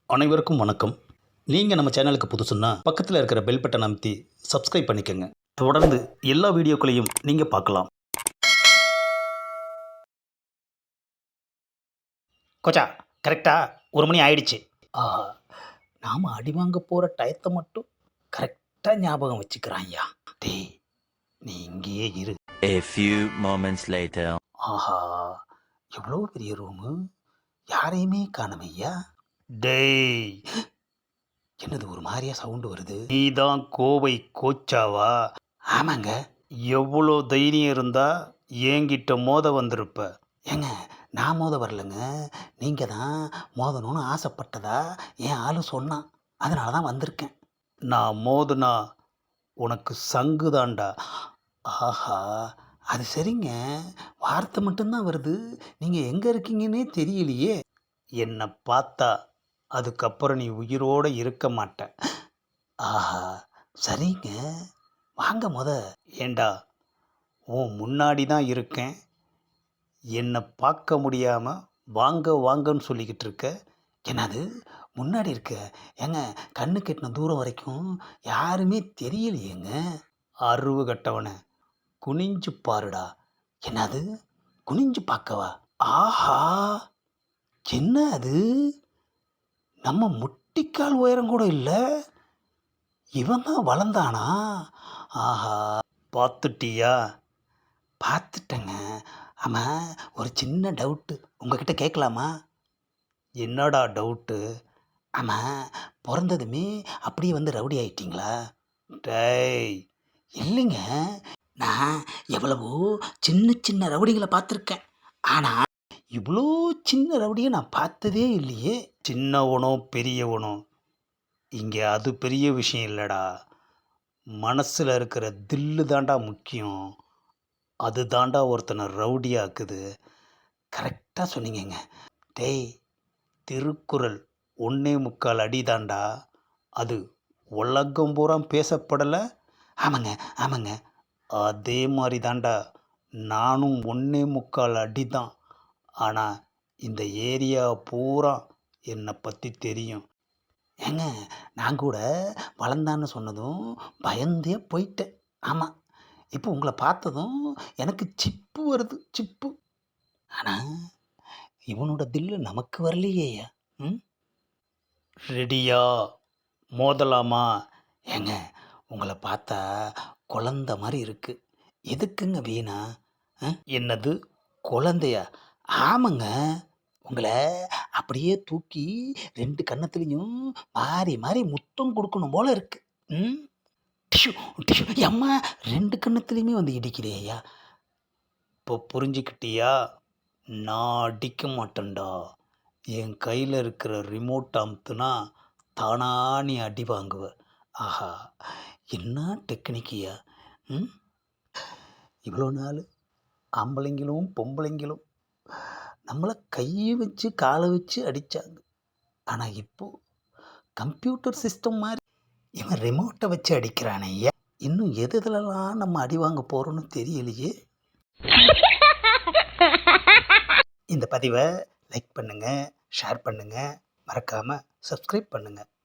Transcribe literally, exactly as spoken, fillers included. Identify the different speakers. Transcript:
Speaker 1: அனைவருக்கும் வணக்கம். நீங்கள் நம்ம சேனலுக்கு புதுசுன்னா பக்கத்தில் இருக்கிற பெல் பட்டன் அமைத்தி சப்ஸ்கிரைப் பண்ணிக்கோங்க. தொடர்ந்து எல்லா வீடியோக்களையும் நீங்கள் பார்க்கலாம். கோச்சா, கரெக்டாக ஒரு மணி ஆயிடுச்சு. ஆஹா, நாம் அடி வாங்க போகிற டயத்தை மட்டும் கரெக்டாக ஞாபகம் வச்சுக்கிறான் ஐயா. டேய், நீ இங்கேயே இரு.
Speaker 2: A few moments later.
Speaker 1: ஆஹா, எவ்வளோ பெரிய ரூமு, யாரையுமே காணமையா. டேய், என்னது ஒரு மாதிரியா சவுண்டு வருது? நீதான் கோவை கோச்சாவா? ஆமாங்க. எவ்வளோ தைரியம் இருந்தா என்கிட்ட மோத வந்திருப்ப? ஏங்க, நான் மோத வரலங்க, நீங்கள் தான் மோதணும்னு ஆசைப்பட்டதா என் ஆளு சொன்னான், அதனால தான் வந்திருக்கேன். நான் மோதுனா உனக்கு சங்கு தாண்டா. ஆஹா, அது சரிங்க, வார்த்தை மட்டும்தான் வருது, நீங்கள் எங்கே இருக்கீங்கன்னே தெரியலையே. என்னை பார்த்தா அதுக்கப்புறம் நீ உயிரோடு இருக்க மாட்ட. ஆஹா, சரிங்க, வாங்க முத. ஏண்டா, உன் முன்னாடி தான் இருக்கேன், என்னை பார்க்க முடியாமல் வாங்க வாங்கன்னு சொல்லிக்கிட்டு இருக்க. என்னது முன்னாடி இருக்க? ஏங்க, கண்ணு கெட்டின தூரம் வரைக்கும் யாருமே தெரியலையேங்க. அருவு கட்டவனை குனிஞ்சு பாருடா. என்னது குனிஞ்சு பார்க்கவா? ஆஹா, என்ன அது, நம்ம முட்டிக்கால் உயரம் கூட இல்லை, இவன் தான் வளர்ந்தானா? ஆஹா, பார்த்துட்டியா? பார்த்துட்டேங்க. ஆமாம், ஒரு சின்ன டவுட்டு உங்ககிட்ட கேட்கலாமா? என்னடா டவுட்டு? ஆமாம், பிறந்ததுமே அப்படியே வந்து ரவுடி ஆயிட்டீங்களா? டேய், இல்லைங்க, நான் எவ்வளவோ சின்ன சின்ன ரவுடிகளை பார்த்துருக்கேன், ஆனால் இவ்வளோ சின்ன ரவுடியை நான் பார்த்ததே இல்லையே. சின்னவனோ பெரியவனோ இங்கே அது பெரிய விஷயம் இல்லைடா, மனசில் இருக்கிற தில்லு தாண்டா முக்கியம். அது தாண்டா ஒருத்தனை ரவுடியாக்குது. கரெக்டாக சொன்னீங்கங்க. டேய், திருக்குறள் ஒன்னே முக்கால் அடி தாண்டா, அது உலகம் பூரா பேசப்படலை? ஆமாங்க ஆமாங்க, அதே மாதிரி தாண்டா நானும் ஒன்னே முக்கால் அடி தான், ஆனால் இந்த ஏரியா பூரா என்னை பற்றி தெரியும். ஏங்க, நான் கூட வளர்ந்தான்னு சொன்னதும் பயந்தே போயிட்டேன். ஆமாம், இப்போ உங்களை பார்த்ததும் எனக்கு சிப்பு வருது, சிப்பு. ஆனால் இவனோட தில்லு நமக்கு வரலையேயா. ம், ரெடியா? மோதலாமா? ஏங்க, உங்களை பார்த்தா குழந்த மாதிரி இருக்கு, எதுக்குங்க வீணா? ஆ? என்னது குழந்தையா? ஆமாங்க, உங்களை அப்படியே தூக்கி ரெண்டு கன்னத்துலேயும் மாறி மாறி முத்தம் கொடுக்கணும் போல இருக்கு. ம், டிஷு டிஷு அம்மா, ரெண்டு கன்னத்துலேயுமே வந்து இடிக்கிறியா? இப்போ புரிஞ்சுக்கிட்டியா? நான் அடிக்க மாட்டேன்டா, என் கையில் இருக்கிற ரிமோட் அமுத்துனா தானா நீ அடி வாங்குவ. ஆஹா, என்ன டெக்னிக்கியா. ம், இவ்வளோ நாள் ஆம்பளைங்களும் பொம்பளைங்களும் நம்மளை கையை வச்சு காலை வச்சு அடித்தாங்க, ஆனால் இப்போது கம்ப்யூட்டர் சிஸ்டம் மாதிரி இவன் ரிமோட்டை வச்சு அடிக்கிறானே. இன்னும் எது எதுலலாம் நம்ம அடி வாங்க போகிறோன்னு தெரியலையே. இந்த பதிவை லைக் பண்ணுங்கள், ஷேர் பண்ணுங்கள், மறக்காமல் சப்ஸ்கிரைப் பண்ணுங்கள்.